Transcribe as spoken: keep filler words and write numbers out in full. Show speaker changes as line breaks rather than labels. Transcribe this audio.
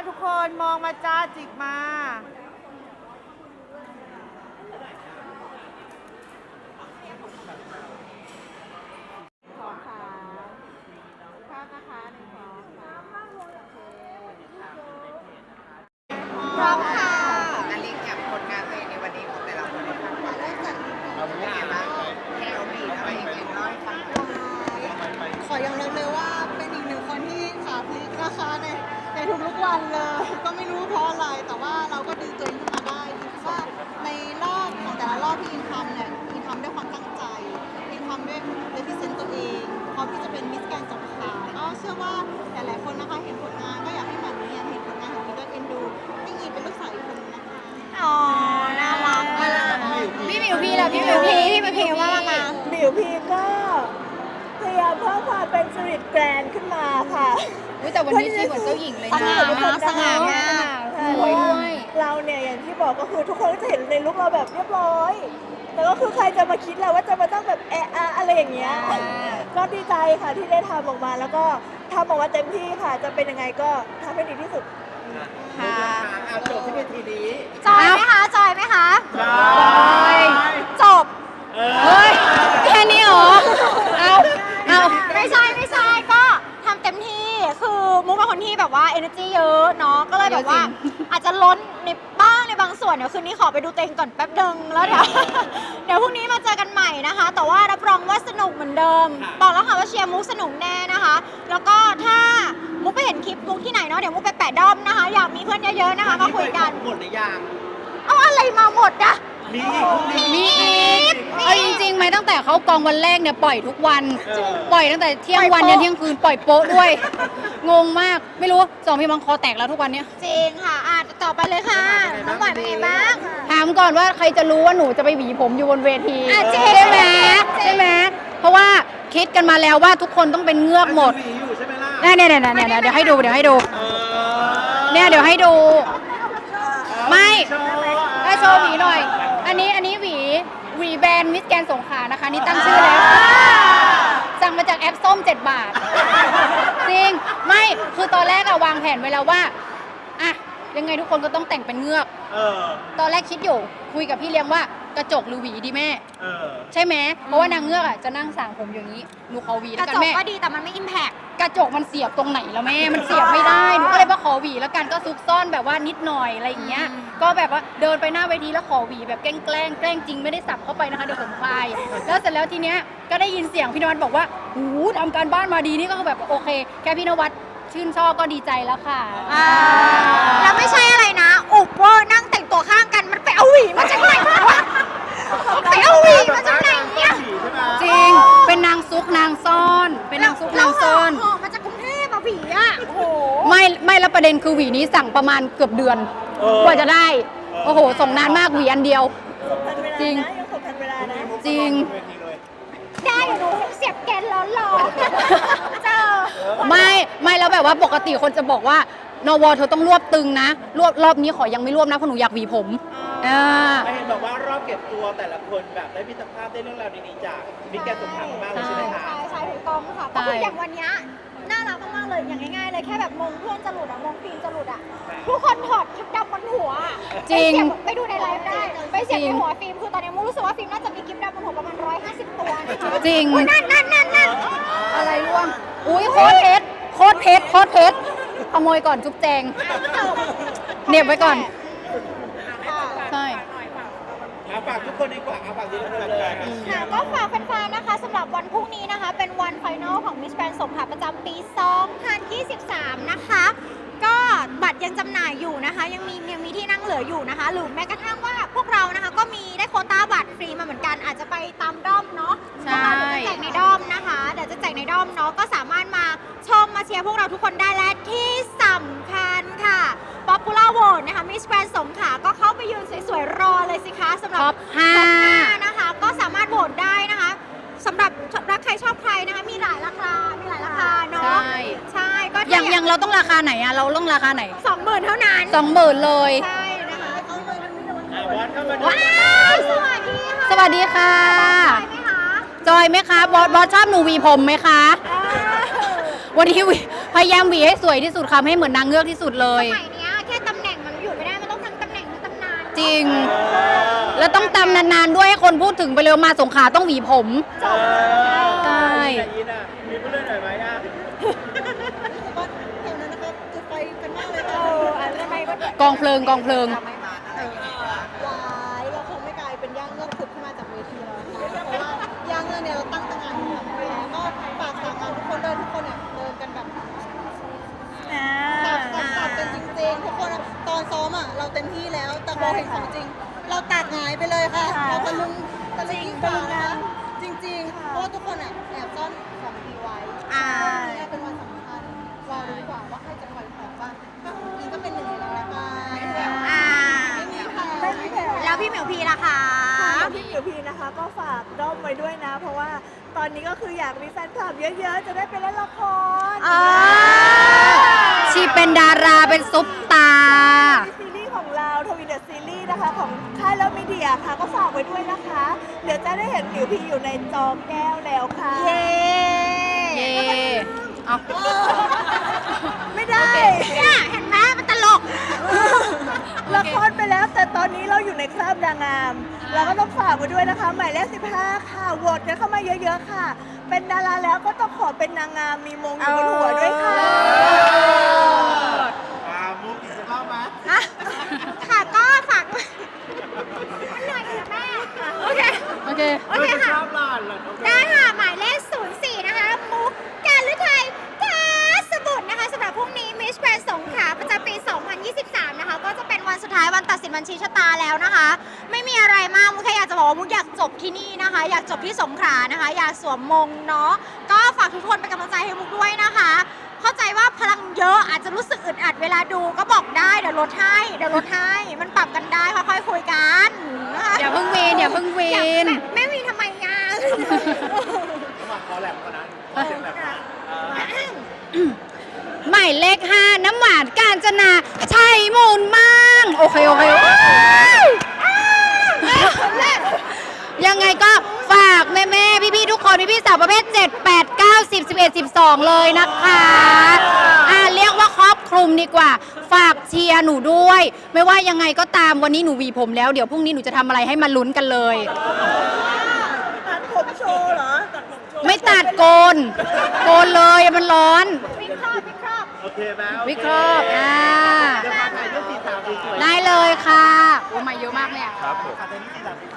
ทุกคนมองมาจ้าจิกมาสองขาภาพนะคะหนึ่งสองสามพร้อมค่ะนาฬิกาผลงานตัวเองในวันนี้ของแต่ละคนนะคะเริ่มจากเป็นไงบ้างแคลบีอะไรอย่างเงี้ยน้อยฟัง
ขอยอมรับเลยว่าเป็นอีกหนึ่งคนที่ขาพลิกนะคะในในทุกๆวันเลยก็ไม่รู้เพราะอะไรแต่ว่าเราก็ดึงตัวเองขึ้นมาได้คิดว่าในรอบของแต่ละรอบที่อินทำเนี่ยอินทำด้วยความตั้งใจอินทำด้วยเรพิเซนต์ตัวเองพร้อมที่จะเป็นมิสแกรนด์สงขลาก็เชื่อว่าหลายๆคนนะคะเห็นผลงานก็อยากให้แบบนี้เห็นผลงานของอินด้วยเอ็นดูให้อินเป็นลูกสาวอีกคนนึงนะคะ
อ๋อน่ารักพี่หมิวพีแหละพี่หมิวพีพี่หมิวพีว่ามา
หมิวพีก็พยายามเพิ่มความเป็นสตรีทแกรนด์ขึ้นมาค่ะ
แต่วันนี้ชีเหมือนเจ้าหญิงเลยนะสง่ามากสวยด้วย
เราเนี่ยอย่างที่บอกก็คือทุกคนก็จะเห็นในลุคเราแบบเรียบร้อยแต่ก็คือใครจะมาคิดเราว่าจะมาต้องแบบแอะอะอะไรอย่างเงี้ยก็ดีใจค่ะที่ได้ทำออกมาแล้วก็ทำออกมาเต็มที่ค่ะจะเป็นยังไงก็ทำให้ดีที่สุด
ค่ะเอาจบที่เวทีนี้
จอยไหมคะจอยไหมคะ
จอย
จบเฮ้ยแค่นี้เหรอเอาเอาไม่ใช่ไม่ใช่ก็ทำเต็มที่คือมุกเป็นคนที่แบบว่า energy เยอะเนาะก็เลยแบบว่าอาจจะล้นในบ้างในบางส่วนเดี๋ยวคืนนี้ขอไปดูตัวเองก่อนแป๊บนึงแล้วเดี๋ยวเดี๋ยวพรุ่งนี้มาเจอกันใหม่นะคะแต่ว่ารับรองว่าสนุกเหมือนเดิมบอกแล้วค่ะว่าเชียร์มุกสนุกแน่นะคะแล้วก็ถ้ามุกไปเห็นคลิปมุกที่ไหนเนาะเดี๋ยวมุกไปแปะด้อมนะคะอยากมีเพื่อนเยอะๆนะคะมาคุยกัน
หมดหรือยัง
เอาอะไรมาหมดอะ
มี
มีเอาจริงๆไหมตั้งแต่เขากองวันแรกเนี่ยปล่อยทุกวันปล่อยตั้งแต่เที่ยงวันยันเที่ยงคืนปล่อยโป๊ะด้วยงงมากไม่รู้สองพี่มังคอแตกแล้วทุกวันเนี้ยจริงค่ะอ่ะต่อไปเลยค่ะน้องหวานเป็นไงบ้างถามก่อนว่าใครจะรู้ว่าหนูจะไปหวีผมอยู่บนเวทีใช่ไหมใช่ไหมเพราะว่าคิดกันมาแล้วว่าทุกคนต้องเป็นเงือกหมดเนี่ยเนี่ยเนี่ยเนี่ยเดี๋ยวให้ดูเดี๋ยวให้ดูเนี่ยเดี๋ยวให้ดูไม่ให้โชว์หวีหน่อยอันนี้อันนี้หวีหวีแบรนด์มิสแกรนด์สงขลานะคะนี่ตั้งชื่อแล้วสั่งมาจากแอปส้มเจ็ดบาทจริงไม่คือตอนแรกอะวางแผนไว้แล้วว่าอะยังไงทุกคนก็ต้องแต่งเป็นเงือกตอนแรกคิดอยู่คุยกับพี่เลี้ยงว่ากระจกหรือหวีดีแม่ใช่ไหมเพราะว่านางเงือกอะจะนั่งสั่งผมอย่างนี้หนูขอหวีแล้วกันแม่กระจกก็ดีแต่มันไม่อิมแพคกระจกมันเสียบตรงไหนแล้วแม่มันเสียบไม่ได้หนูก็เลยมาขอหวีแล้วกันก็ซุกซ่อนแบบว่านิดหน่อยอะไรอย่างเงี้ยก็แบบว่าเดินไปหน้าเวทีแล้วขอหวีแบบแกล้งแกล้งแกล้งจริงไม่ได้สับเข้าไปนะคะเดี๋ยวผมคลายแล้วเสร็จแล้วทีเนี้ยก็ได้ยินเสียงพี่นวัดบอกว่าหูทำการบ้านมาดีนี่ก็แบบโอเคแค่พี่นวัดชื่นชอบก็ดีใจแล้วค่ะแล้วไม่ใช่อะไรนะอุบเวอร์นั่งแต่งตัวข้างกันมันไปเอาหวีมาจากไหนวะไปเอาหวีมาจากไหนเนี่ยจริงเป็นนางซุกนางซ่อนเป็นนางซุกนางซ่อนมาจากกรุงเทพมาหวีอ่ะไม่ไม่แล้วประเด็นคือหวีนี้สั่งประมาณเกือบเดือนกว่าจะได้โอ้โหส่งนานมากหวีอันเดียวจริงจริงได้หนูเสียบแกนร้อนร้อนเจอไม่ไม่แล้วแบบว่าปกติคนจะบอกว่านวเธอต้องรวบตึงนะรวบรอบนี้ขอยังไม่รวบนะเพราะหนูอยากหวีผมอ่า
เห็นบอกว่ารอบเก็บตัวแต่ละคนแบบได้มิตรภาพได้เรื่องราวดีๆจากมิตรแกนสงขลาบ้างใช่ไหมคะ
ใช่ใช่ถูกต้องค่ะก็คืออย่างวันนี้น่ารักมากๆเลยอย่างง่ายๆเลยแค่แบบมงเพื่อนจะหลุดอะมงฟิล์มจะหลุดอะทุกคนถอดชุดดำบนหัว
จริง
ไปดูในไลฟ์ได้ไปเสียบในหัวฟิล์มคือตอนนี้มูรู้สึกว่าฟิล์มน่าจะมีกิฟต์ดำบนหัวประมาณร้อยห้าสิบตัว
จริง
นั่นนั่นนั่นนั่น
อะไรร่วงอุ้ยโคตรเพชรโคตรเพชรโคตรเพชรขโมยก่อนจุ๊บแจงเน็บไว้ก่อนใช่
ฝากทุกคนดีกว่าฝากทุกคนเลย
ค่ะก็ฝากแฟนๆนะคะสำหรับวันพรุ่งนี้นะคะเป็นวันไฟนอลของ Miss Grand สงขลาประจำปีสองพันยี่สิบสามนะคะก็บัตรยังจำหน่ายอยู่นะคะยังมียังมีที่นั่งเหลืออยู่นะคะหรือแม้กระทั่งว่าพวกเรานะคะก็มีได้โควต้าบัตรฟรีมาเหมือนกันอาจจะไปตามด้อมเนาะ
ใช่
จะแจกในด้อมนะคะเดี๋ยวจะแจกในด้อมเนาะก็สามารถมาชมมาเชียร์พวกเราทุกคนได้และที่สำคัญค่ะ Popular Vote นะคะ Miss Grand สงขลาก็เข้าไปยืนสวยๆรอเลยสิคะสำหรับ
ท็อปห้า
นะคะก็สามารถโหวตได้นะคะสำหรับรักใครชอบใครนะคะมีหลายราคามีหลายราคาเนาะ
ใช่
ใช่ก็
อย่างอย่างเราต้องราคาไหนอะเราต้องราคาไหน
สองหมื่นเท่านั้น
สองหมื่นเลย
ใช่นะคะ
ว้าว
สวัสดีค่ะ
สวัสดีค่ะจอยไหมคะบอสบอสชอบหนูหวีผมไหมคะวันนี้พยายามหวีให้สวยที่สุดค่ะให้เหมือนนางเงือกที่สุดเลย
สมัยนี้
จริง แล้วต้องตำนานๆด้วยให้คนพูดถึงไปเร็วมาสงขลาต้องหวีผม
เออ
ใช่
แต่ยินอ่ะมีผู้เล่นหน่อยไหมอ่ะ
ว่าแถวนั้นนะครับจุดไฟกันมากเลย
เอ
ค่ะ
ออันนั้นไม่ก็
กองเพลิงกองเพลิง
ถ้าไม่มาอะไรอย่างเงี้ย
หลายเราคงไม่กลายเป็นย่างเงือกขุดขึ้นมาจากเวทีแล้วนะคะเพราะว่าย่างเงือกเนี่ยเราตั้งตางานอยู่แล้วแล้วก็ฝากสาวงานทุกคนเดินทุกคนเนี่ยเดินกันแบบ
อ่า
ตัดตัดตัดกันจริงๆทุกคนอะตอนซ้อมอ่ะเราเต็มที่แล้วแต่พอเห็นของจริง เราตัดหงายไปเลยค่ะ
ค่ะ
เราตะลึงตะลึงยิ่งกว่า
ตะลึง
นะ
นะ
จริงๆ
ค่ะ
เพราะว่าทุกคนอ่ะแอบซ่อนของดีไว้
อ่า
วันนี้เป็นวันสำคัญรอดูดีกว่าว่าใครจะปล่อยของบ้างถ้าของจริงก็เป็นหนึ่งในนั้นละกัน
อ่า
ไม่มีแผล
ไม่มีแผล
แล้วพี่เหมียวพีล่ะคะ
ค่ะพี่หมิวพีนะคะก็ฝากด้อมไว้ด้วยนะ เพราะว่าตอนนี้ก็คืออยากมีแฟนคลับเยอะๆ จะได้ไปเล่นละคร
ชีเป็นดาราเป็นซุปตา
ซีรีส์ของเราทวีเดอะซีรีส์นะคะ ของค่ายแล้วมีเดียค่ะ ก็ฝากไว้ด้วยนะคะ เดี๋ยวจะได้เห็นหมิวพีอยู่ในจอแก้วแล้วค่ะ
เย้เย้เอา
ไม่ได้
เนี่ยเห็นไหมมันตลก
ละครไปแล้วแต่ตอนนี้เราอยู่ในคราบนางงาม เราก็ต้องฝากไว้ด้วยนะคะ หมายเลขสิบห้าค่ะโหวตกันเข้ามาเยอะๆค่ะ เป็นดาราแล้วก็ต้องขอเป็นนางงามมีมงอยู่บนหัวด้วยค่ะ
อ่ามุกอีกสักรอบไหม
ค่ะก็ฝากหน่อยค่ะแม่ โอเค โอเค
โอเคค่ะชอบหลานเหรอ
ได้ค่ะ หมายเลข ศูนย์สี่ นะคะ มุกการฤทัยกาสบุตรนะคะสำหรับพรุ่งนี้ Miss Grand สงขลาประจำปี สองพันยี่สิบสาม นะคะ ก็จะเป็นวันสุดท้ายวันตัดสินบัญชีชะตาแล้วนะคะ ไม่มีอะไรมากมุกแค่อยากจะบอกว่ามุกอยากจบที่นี่นะคะ อยากจบที่สงขลานะคะ อยากสวมมงเนาะ ก็ฝากทุกคนเป็นกำลังใจให้มุกด้วยนะคะ เข้าใจว่าพลังเยอะอาจจะรู้สึกอึดอัดเวลาดูก็บอกได้เดี๋ยวลดให้เดี๋ยวลดให้มันปรับกันได้ค่อยๆคุยกันนะคะ
อย่าเพิ่งวีนอย่าเพิ่งวีน
แม่วีทำไมงาน
ระหว่างคอแหลมก่อนนะเสียงแหลมนะเออ
หมายเลขห้าน้ำหวานกาญจนาชัยมูลมั่งโอเค โอเคยังไงก็ฝากแม่แม่พี่พี่ๆทุกคนพี่พี่ๆสาวประเภท เจ็ด แปด เก้า สิบ สิบเอ็ด สิบสอง เลยนะคะอ่าเรียกว่าครอบคลุมดีกว่า ฝากเชียร์หนูด้วย ไม่ว่ายังไงก็ตามวันนี้หนูหวีผมแล้วเดี๋ยวพรุ่งนี้หนูจะทำอะไรให้มาลุ้นกันเลย
ตัดผมโชว์เหรอ ตัดผมโชว์
ไม่ตัดโกน โกนเลยมันร้อน
โอเคไหมโอ
วิเคราะห์อ่า
เดี๋ยวมาถ่ายรูปสีสาวสวยๆ
ได้เลยค่ะโอ้มาเยอะมากเนี่ย
ครับผมถ่ายรูปสีสาวสวย